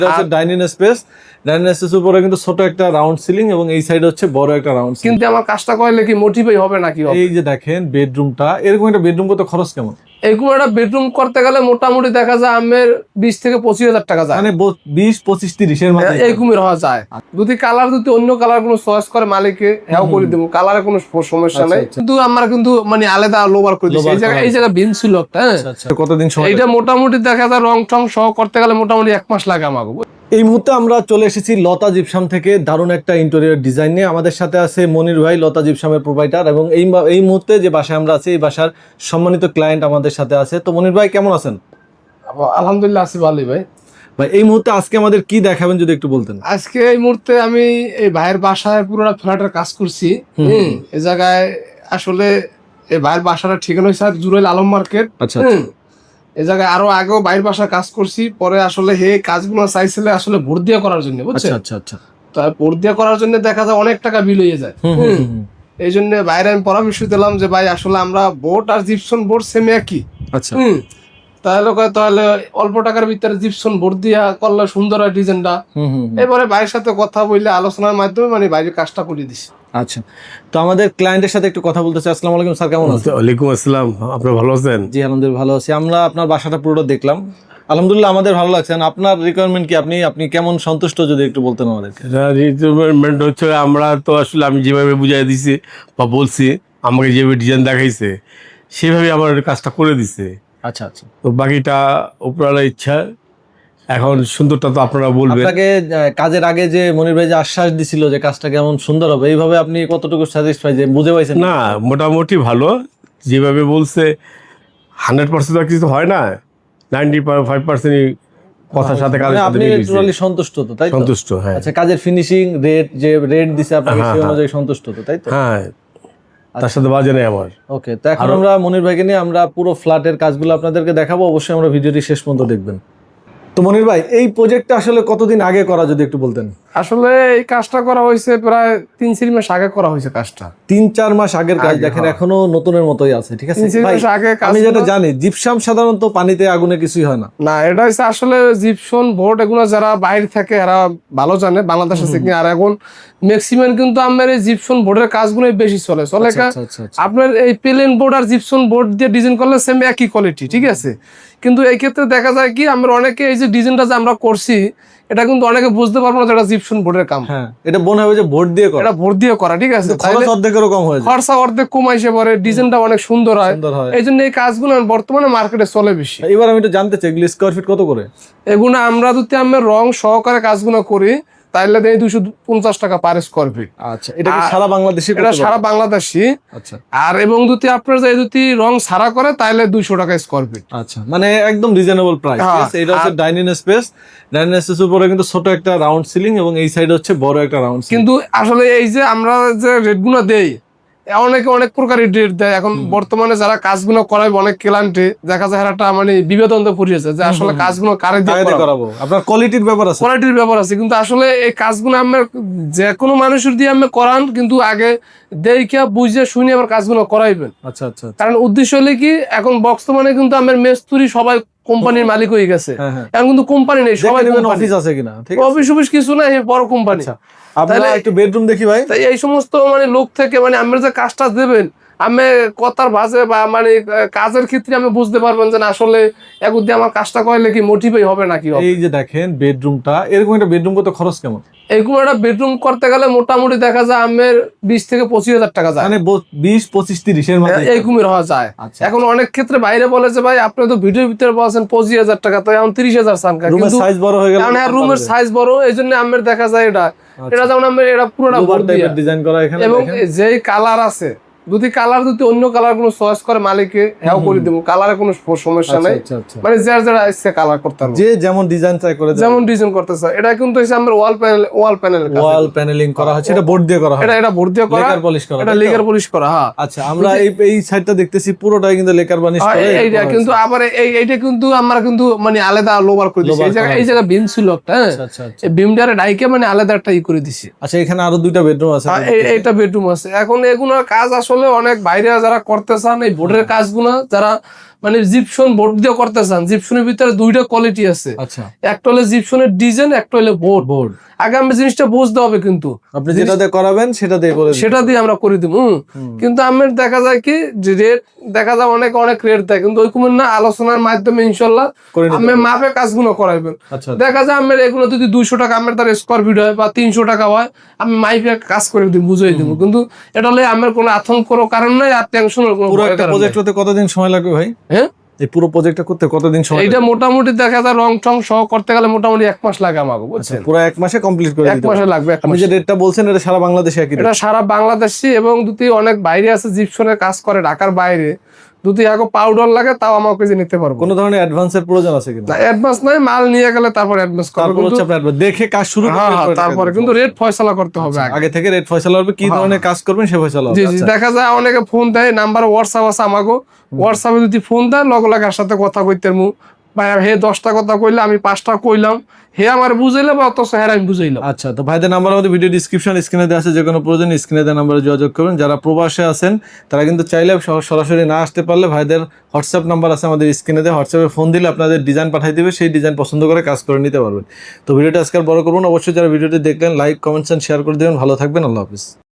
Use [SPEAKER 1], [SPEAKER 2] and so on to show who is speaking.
[SPEAKER 1] Dining space উপরে কিন্তু ছোট একটা রাউন্ড সিলিং এবং এই সাইড হচ্ছে বড় একটা রাউন্ড সিলিং।
[SPEAKER 2] কিন্তু আমার কাজটা করলে কি মোটিভই হবে নাকি?
[SPEAKER 1] এই যে দেখেন বেডরুমটা, এরকম একটা বেডরুম করতে খরচ কেমন?
[SPEAKER 2] এরকম একটা বেডরুম করতে গেলে মোটামুটি দেখা যায় আমের 20 থেকে 25,000 টাকা যায়,
[SPEAKER 1] মানে 20, 25, 30 এর মধ্যে
[SPEAKER 2] এরকমই হওয়া যায়। যদি কালার যদি অন্য কালার কোনো চয়েস করে মালিকে হ্যাঁ করে দেবো, কালারে কোনো সমস্যা নাই। কিন্তু আমরা কিন্তু মানে আলাদা লোবার করে দিচ্ছি। এই জায়গায় বিন ছিল একটা, হ্যাঁ।
[SPEAKER 1] কতদিন সময়?
[SPEAKER 2] এটা মোটামুটি দেখা যায় রং টং সহ করতে গেলে মোটামুটি 1 মাস লাগে আমাকে।
[SPEAKER 1] এই মুহূর্তে আমরা চলে এসেছি লতা জিপসাম থেকে দারুণ একটা ইন্টেরিয়র ডিজাইন নিয়ে। আমাদের সাথে আছে মনির ভাই, লতা জিপসামের প্রোভাইডার, এবং এই মুহূর্তে যে বাসায় আমরা আছি এই বাসার সম্মানিত ক্লায়েন্ট আমাদের সাথে আছে। তো মনির ভাই কেমন আছেন?
[SPEAKER 2] আলহামদুলিল্লাহ আছি ভালোই ভাই।
[SPEAKER 1] ভাই এই মুহূর্তে আজকে আমাদের কি দেখাবেন যদি একটু বলতেন।
[SPEAKER 2] আজকে এই মুহূর্তে আমি এই ভাইয়ের বাসায় পুরোটা ফ্ল্যাটের কাজ করছি। এই জায়গায় আসলে এই ভাইয়ের বাসাটা ঠিকানা হয়েছে জুরাইল আলম মার্কেট।
[SPEAKER 1] আচ্ছা,
[SPEAKER 2] এই জায়গায় আরো আগেও বাইরের বাসায় কাজ করছি। পরে আসলে হে কাজগুলো চাইছিলে আসলে ভোট দিয়ে করার জন্য, বুঝছেন?
[SPEAKER 1] আচ্ছা আচ্ছা।
[SPEAKER 2] তাই ভোট দিয়ে করার জন্য দেখা যায় অনেক টাকা বিল হয়ে যায়। এই জন্য বাইরে আমি পরামর্শ দিলাম যে ভাই আসলে আমরা বোর্ড আর জিপসন বোর্ড সেম একই।
[SPEAKER 1] আচ্ছা।
[SPEAKER 2] তাহলে অল্প টাকার ভিতরে জিপসন বোর্ড দিয়া করলে সুন্দর হয় ডিজাইনটা। এবারে ভাইয়ের সাথে কথা বললে আলোচনার মাধ্যমে মানে বাইরের কাজটা করে দিছি।
[SPEAKER 1] আচ্ছা, তো আমাদের ক্লায়েন্টের সাথে একটু কথা বলতে চাই। আসসালামু আলাইকুম স্যার, কেমন আছেন?
[SPEAKER 3] ওয়ালাইকুম আসসালাম, আপনি ভালো আছেন?
[SPEAKER 1] জি আলহামদুলিল্লাহ ভালো আছি। আমরা আপনার বাসাটা পুরোটা দেখলাম, আলহামদুলিল্লাহ আমাদের ভালো লাগছে। আপনার রিকোয়ারমেন্ট কি, আপনি কেমন সন্তুষ্ট যদি একটু বলতেন আমাদেরকে।
[SPEAKER 3] রিকোয়ারমেন্ট হচ্ছে আমরা তো আসলে আমি যেভাবে বুঝাই দিছি বা বলছি, আমাকে যেভাবে ডিজাইন দেখাইছে সেভাবে আমার কাজটা করে দিছে।
[SPEAKER 1] আচ্ছা আচ্ছা।
[SPEAKER 3] তো বাকিটা উপরওয়ালার ইচ্ছা, এখন সুন্দরটা তো আপনারা বলবেন।
[SPEAKER 1] আপনাকে কাজের আগে যে মনির ভাই যে আশ্বাস দিছিল যে কাজটা কেমন সুন্দর হবে, এইভাবে আপনি কতটুকু স্যাটিসফাই যে বুঝে পাইছেন?
[SPEAKER 3] না, মোটামুটি ভালো। যেভাবে বলছে 100% তো কিছু হয় না, 95%ই কথার সাথে কাজের সাথে
[SPEAKER 1] আপনি
[SPEAKER 3] মিল হইছে।
[SPEAKER 1] টোটালি সন্তুষ্ট তো, তাই তো?
[SPEAKER 3] সন্তুষ্ট, হ্যাঁ।
[SPEAKER 1] আচ্ছা, কাজের ফিনিশিং রেট দিছে আপনাকে সেই অনুযায়ী সন্তুষ্ট তো, তাই তো?
[SPEAKER 3] হ্যাঁ, তার সাথে বাজে নেই আমার।
[SPEAKER 1] ওকে, তো এখন আমরা মনির ভাইকে নিয়ে আমরা পুরো ফ্ল্যাটের কাজগুলো আপনাদেরকে দেখাবো। অবশ্যই আমরা ভিডিওটি শেষ পর্যন্ত দেখবেন। তো মনির ভাই এই প্রজেক্টটা আসলে কতদিন আগে করা যদি একটু বলতেন।
[SPEAKER 2] আসলে এই কাজটা করা হয়েছে প্রায় 3-4 মাস আগে করা হয়েছে কাজটা।
[SPEAKER 1] 3-4 মাস আগের কাজ, দেখেন এখনো নতুনের মতোই আছে। ঠিক আছে ভাই, আমি যেটা জানি জিপসাম সাধারণত পানিতে আগুনে কিছুই হয় না।
[SPEAKER 2] না, এটা হচ্ছে আসলে জিপসন বোর্ড এগুলো যারা বাইরে থাকে এরা ভালো জানে, বাংলাদেশে থেকে। আর এখন ম্যাক্সিমাম কিন্তু আমার এই জিপসন বোর্ডের কাজগুলো বেশি চলে। আপনার এই প্লেন বোর্ড আর জিপসন বোর্ড দিয়ে ডিজাইন করলে সেম একই কোয়ালিটি, ঠিক আছে। কিন্তু এই ক্ষেত্রে দেখা যায় কি আমরা অনেকে এই যে ডিজাইনটা যে আমরা করছি এটা কিন্তু অনেকে বুঝতে পারবো না যেটা জিপসন বোর্ডের কাম।
[SPEAKER 1] হ্যাঁ, এটা মনে হবে যে বোর্ড দিয়ে করা,
[SPEAKER 2] এটা বোর্ড দিয়ে করা, ঠিক আছে।
[SPEAKER 1] খরচ অর্ধেকেরও কম হয়ে যায়,
[SPEAKER 2] খরচা অর্ধেক কমাইছে, পরে ডিজাইনটা অনেক সুন্দর হয়। এই জন্য এই কাজগুলো বর্তমানে মার্কেটে চলে বেশি।
[SPEAKER 1] এবার আমি একটু জানতে চাই এগুলো স্কোয়ার ফিট কত করে?
[SPEAKER 2] এগুলো আমরা যদি আমরা রং সহকারে কাজগুলো করি তাহলে দেয় 250 টাকা পার স্কোয়ার ফিট।
[SPEAKER 1] আচ্ছা, এটা কি সারা বাংলাদেশে?
[SPEAKER 2] এটা সারা বাংলাদেশি।
[SPEAKER 1] আচ্ছা, আর
[SPEAKER 2] এবং যদি আপনার যদি রং সারা করে তাহলে 200 টাকা স্কোয়ার ফিট।
[SPEAKER 1] আচ্ছা, মানে একদম রিজনেবল প্রাইস। এটা হচ্ছে ডাইনিং স্পেস উপরে কিন্তু ছোট একটা রাউন্ড সিলিং এবং এই সাইড হচ্ছে বড় একটা রাউন্ড।
[SPEAKER 2] কিন্তু আসলে এই যে আমরা যে রেটগুলো দেই অনেকে অনেক প্রকারের রেট দেয়। এখন বর্তমানে যারা কাজগুলো করায় অনেক ক্লায়েন্টে দেখা যায় একটা মানে বিবেদনতে পড়িয়েছে যে আসলে কাজগুলো কারে দিয়ে
[SPEAKER 1] করাবো। আপনার কোয়ালিটির ব্যাপার আছে,
[SPEAKER 2] কিন্তু আসলে এই কাজগুলো আমরা যে কোনো মানুষের দিয়ে আমরা করান, কিন্তু আগে দেখিয়া বুঝে শুনে আবার কাজগুলো করাইবেন।
[SPEAKER 1] আচ্ছা আচ্ছা।
[SPEAKER 2] কারণ উদ্দেশ্য হলে কি এখন বর্তমানে কিন্তু আমার মেস্তুরি সবাই কোম্পানির মালিক হয়ে গেছে। এখন কিন্তু কোম্পানি নেই, সবাই
[SPEAKER 1] অফিস আছে কিনা,
[SPEAKER 2] অফিস কিছু না, বড় কোম্পানি।
[SPEAKER 1] আপনারা একটু বেডরুম দেখি ভাই।
[SPEAKER 2] তাই এই সমস্ত মানে লোক থেকে মানে আমরা যে কাজটা দেবেন আমি কথার ভাষে বা মানে কাজের ক্ষেত্রে আমি বুঝতে পারবেন যে আসলে একদিন আমার কাজটা করলে কি মোটিভই হবে নাকি।
[SPEAKER 1] এই যে দেখেন বেডরুমটা, এরকম একটা বেডরুম করতে খরচ কেমন?
[SPEAKER 2] এরকম একটা বেডরুম করতে গেলে মোটামুটি দেখা যায় আমার 20 থেকে 25,000 টাকা যায়,
[SPEAKER 1] মানে 20, 25, 30 এর মধ্যে
[SPEAKER 2] এরকমই হওয়া যায়। এখন অনেক ক্ষেত্রে বাইরে বলে যে ভাই আপনি তো ভিডিওর ভিতরে বলছেন 25,000 টাকা, তো এখন 30,000 চান।
[SPEAKER 1] রুমের সাইজ বড় হয়ে গেল,
[SPEAKER 2] রুমের সাইজ বড়, এই জন্য আমার দেখা যায় এটা যেমন আমার এটা পুরোটা
[SPEAKER 1] ডিজাইন করা এখানে।
[SPEAKER 2] এবং যেই কালার আছে যদি অন্য কালার কোনো চয়েস করে মালিকে হ্যাঁ করে দেবো, কালারে কোনো সমস্যা নাই। মানে যারা ইচ্ছে কালার করতে পারবে,
[SPEAKER 1] যে যেমন ডিজাইন চাই করে
[SPEAKER 2] যেমন ডিজাইন করতে চায়। এটা কিন্তু আমরা ওয়াল
[SPEAKER 1] প্যানেলিং করা হচ্ছে, এটা বোর্ড দিয়ে করা হয়।
[SPEAKER 2] এটা বোর্ড দিয়ে করা,
[SPEAKER 1] লেকার পলিশ করা,
[SPEAKER 2] এটা লেকার পলিশ করা। হ্যাঁ,
[SPEAKER 1] আচ্ছা, আমরা এই সাইডটা দেখতেছি পুরোটাই কিন্তু লেকার পলিশ করা।
[SPEAKER 2] এইটা কিন্তু আবার এইটা কিন্তু আমরা কিন্তু মানে আলাদা লোবার করে দিছি। এই জায়গা বিম ছিল একটা, হ্যাঁ, এই বিমটারে ডাইকে মানে আলাদা একটা করে দিছি।
[SPEAKER 1] আচ্ছা, এখানে আরো 2টা বেডরুম আছে।
[SPEAKER 2] এইটা বেডরুম আছে। এখন এগুলোর কাজ আসলে আসলে অনেক বাইরে যারা করতে চান এই বোর্ডের কাজগুলো, যারা মানে জিপসন বোর্ড দিয়ে করতে চান, জিপসনের ভিতরে দুইটা কোয়ালিটি আছে,
[SPEAKER 1] আচ্ছা
[SPEAKER 2] একটা হলো জিপসনের ডিজাইন, একটা হলো বোর্ড।
[SPEAKER 1] বোর্ড
[SPEAKER 2] আগে আমি জিনিসটা বুঝতে হবে, কিন্তু
[SPEAKER 1] আপনি যেটা দিয়ে করাবেন সেটা দিয়ে করে দিতে
[SPEAKER 2] সেটা দিয়ে আমরা করে দিব। কিন্তু আমার দেখা যায় কি যে রেট দেখা যায় অনেক অনেক রেট দেয়, কিন্তু ওইরকম না, আলোচনার মাধ্যমে ইনশাল্লাহ
[SPEAKER 1] করে নিতে
[SPEAKER 2] আমি মাপে কাজগুলো করাইবেন।
[SPEAKER 1] আচ্ছা
[SPEAKER 2] দেখা যায় আমার এগুলো যদি 200 টাকা আমার তার স্কোয়ার ফিট হয় বা 300 টাকা হয়, আমি মাইপে কাজ করে দিব, বুঝিয়ে দিব। কিন্তু এটা হলে আমার কোনো আতঙ্কর কারণ নাই আর টেনশনের কোনো
[SPEAKER 1] পুরো
[SPEAKER 2] ভয়ের
[SPEAKER 1] একটা
[SPEAKER 2] কারণ
[SPEAKER 1] প্রজেক্ট
[SPEAKER 2] নাই।
[SPEAKER 1] করতে কতদিন সময় লাগবে ভাই?
[SPEAKER 2] হ্যাঁ,
[SPEAKER 1] এই পুরো প্রজেক্টটা করতে কতদিন সময়
[SPEAKER 2] এইটা মোটামুটি দেখা যায় রং টং সহ করতে গেলে মোটামুটি 1 মাস লাগে আমাকে,
[SPEAKER 1] লাগবে?
[SPEAKER 2] বুঝছেন?
[SPEAKER 1] পুরো 1 মাসে কমপ্লিট করে
[SPEAKER 2] 1
[SPEAKER 1] দিতে
[SPEAKER 2] মাসে
[SPEAKER 1] পারবেন।
[SPEAKER 2] লাগবে, 1
[SPEAKER 1] আপনি
[SPEAKER 2] মাস।
[SPEAKER 1] যে রেটটা বলছেন এটা সারা বাংলাদেশে একই rate?
[SPEAKER 2] এটা সারা বাংলাদেশি, এবং যদি অনেক বাইরে আছে জিপসনের কাজ করে ঢাকার বাইরে, যদি আগে পাউডার লাগে তাও আমাকে যে নিতে পারবো।
[SPEAKER 1] কোনো ধরনের অ্যাডভান্সের প্রয়োজন আছে কিনা?
[SPEAKER 2] অ্যাডভান্স নাই, মাল নিয়ে গেলে তারপর অ্যাডভান্স করবে,
[SPEAKER 1] তারপর হচ্ছে আপনার দেখে কাজ শুরু করতে
[SPEAKER 2] হ্যাঁ
[SPEAKER 1] হবে,
[SPEAKER 2] তারপরে কিন্তু রেট ফয়সালা করতে হবে আগে।
[SPEAKER 1] আগে থেকে রেট ফয়সালা হবে, কি ধরনের কাজ করবেন সে ফয়সালা হবে।
[SPEAKER 2] জি জি,
[SPEAKER 1] আচ্ছা।
[SPEAKER 2] দেখা যায় অনেকে ফোন দেয়, নাম্বার হোয়াটসঅ্যাপ আছে আমাকে, হোয়াটসঅ্যাপে যদি ফোন দেয় লগে লগে আর সাথে কথা কইতে মু ভাই, হে 10টা কথা কইলে আমি 5টা কইলাম, হে আমার বুঝাইলে বা অত হ্যাঁ আমি বুঝাইলাম।
[SPEAKER 1] আচ্ছা, তো ভাইদের নাম্বার আমাদের ভিডিও ডিসক্রিপশন স্ক্রিনে দেওয়া আছে, যে কোনো প্রয়োজন স্ক্রিনে দেওয়া নাম্বারে যোগাযোগ করবেন। যারা প্রবাসে আছেন তারা কিন্তু চাইলে সরাসরি না আসতে পারলে ভাইদের হোয়াটসঅ্যাপ নাম্বার আছে আমাদের স্ক্রিনে দেওয়া, হোয়াটসঅ্যাপে ফোন দিলে আপনাদের ডিজাইন পাঠিয়ে দিবে, সেই ডিজাইন পছন্দ করে কাজ করে নিতে পারবেন। তো ভিডিওটা আজকাল বড় করুন, অবশ্যই যারা ভিডিওটি দেখলেন লাইক কমেন্টস এন্ড শেয়ার করে দেবেন। ভালো থাকবেন, আল্লাহ হাফিজ।